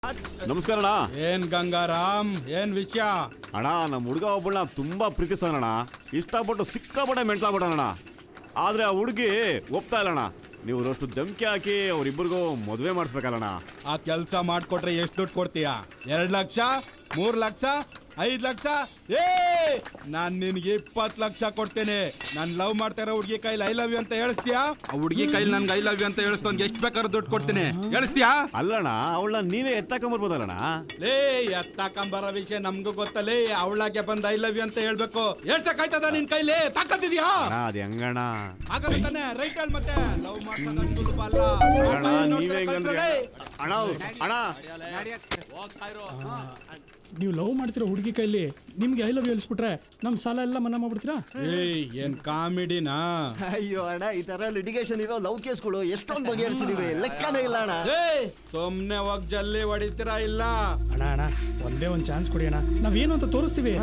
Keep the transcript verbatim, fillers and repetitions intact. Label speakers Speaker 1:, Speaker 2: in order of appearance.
Speaker 1: ನಮಸ್ಕಾರ ಅಣ್ಣ.
Speaker 2: ಏನ್ ಗಂಗಾರಾಮ್, ಏನ್ ವಿಷಯ?
Speaker 1: ಅಣ್ಣ ನಮ್ಮ ಹುಡುಗ ಒಬ್ಬಳನ್ನ ತುಂಬಾ ಪ್ರೀತಿಸ್ತಾನಣ್ಣ. ಇಷ್ಟಪಟ್ಟು ಸಿಕ್ಕಾಪಟ್ಟೆ ಮೆಂಟ್ಲಾಗ್ಬಿಟ್ಟಣ. ಆದ್ರೆ ಆ ಹುಡುಗಿ ಒಪ್ತಾ ಇಲ್ಲಣ್ಣ. ನೀವು ಅಷ್ಟು ಧಮ್ಕಿ ಹಾಕಿ ಅವ್ರಿಬ್ಬರಿಗೂ ಮದುವೆ ಮಾಡಿಸ್ಬೇಕಲ್ಲಣ್ಣ.
Speaker 2: ಆ ಕೆಲಸ ಮಾಡ್ಕೊಟ್ರೆ ಎಷ್ಟು ದುಡ್ಡು ಕೊಡ್ತೀಯಾ? ಎರಡ್ ಲಕ್ಷ, ಮೂರ್ ಲಕ್ಷ, ಐದ್ ಲಕ್ಷ? ಏ ನಾನ್ ನಿನ್ಗೆ ಇಪ್ಪತ್ ಲಕ್ಷ ಕೊಡ್ತೇನೆ. ನಾನ್ ಲವ್ ಮಾಡ್ತಾ ಇರೋ ಹುಡುಗಿ ಕೈಲಿ ಐ ಲವ್ ಯು ಅಂತ ಹೇಳಿಸ್ತೀಯಾ? ಆ ಹುಡುಗಿ ಕೈಲಿ ನನ್ಗೆ ಐ ಲವ್ ಯು ಅಂತ ಹೇಳಿಸ್ತಂಗೆ ಎಷ್ಟು ಬೇಕಾದ್ರೂ ದುಡ್ಡು ಕೊಡ್ತೇನೆ. ಹೇಳಿಸ್ತೀಯಾ?
Speaker 1: ಅಲ್ಲಣ್ಣ, ಅವಳನ್ನ ನೀವೇ ಎತ್ತಾಕೊಂಬರ್ಬೋದಲ್ಲಣ್ಣ.
Speaker 2: ಲೇ ಎತ್ತಾಕಂಬರೋ ವಿಷಯ ನಮ್ಗೂ ಗೊತ್ತಲೇ. ಅವಳಾಗೆ ಬಂದ್ ಐ ಲವ್ ಯು ಅಂತ ಹೇಳ್ಬೇಕು. ಹೇಳ್ಸಕ್ಕಾಯ್ತದ ನಿನ್ ಕೈಲಿ? ತಾಕತ್ತಿದ್ಯಾ?
Speaker 1: ಅದ್ ಹೆಂಗಣ್ಣ?
Speaker 2: ಹಾಗಾದ್ರೆ ತಾನೆ ರೈಟ್ ಹೇಳಿ. ಮತ್ತೆ ಲವ್ ಮಾಡ್ಕೊಂಡು ಸುಲಭ ಅಲ್ಲ.
Speaker 1: ಅಣ್ಣ ನೀವೇ ಹೆಂಗಂದ್ರೆ ಅಣ್ಣ ಅಣ್ಣ
Speaker 3: ನೀವು ಲವ್ ಮಾಡ್ತಿರೋ ಹುಡುಗಿ ಕೈಲಿ ನಿಮ್ಗೆ ಐ ಲವ್ ಯು ಹೇಳಿಸ್ಬಿಟ್ರೆ ನಮ್ ಸಾಲ ಎಲ್ಲ ಮನ್ನಾ ಮಾಡ್ಬಿಡ್ತೀರಾ?
Speaker 2: ಏಯ್ ಏನ್ ಕಾಮಿಡಿನಾ?
Speaker 4: ಅಯ್ಯೋ ಅಣ್ಣ, ಈ ತರ ಲಿಟಿಗೇಷನ್ ಇರೋ ಲವ್ ಕೇಸ್ಗಳು ಎಷ್ಟೊಂದು ಬಗೆಹರಿಸಿದೀವಿ, ಲೆಕ್ಕನೇ ಇಲ್ಲ ಅಣ್ಣ.
Speaker 2: ಏಯ್ ಸುಮ್ನೆ ಹೋಗ್ ಜಲ್ಲಿ ಹೊಡಿತೀರಾ ಇಲ್ಲ?
Speaker 3: ಅಣ್ಣ ಅಣ್ಣ ಒಂದೇ ಒಂದ್ ಚಾನ್ಸ್ ಕೊಡಿ ಅಣ್ಣ, ನಾವೇನು ಅಂತ ತೋರಿಸ್ತೀವಿ.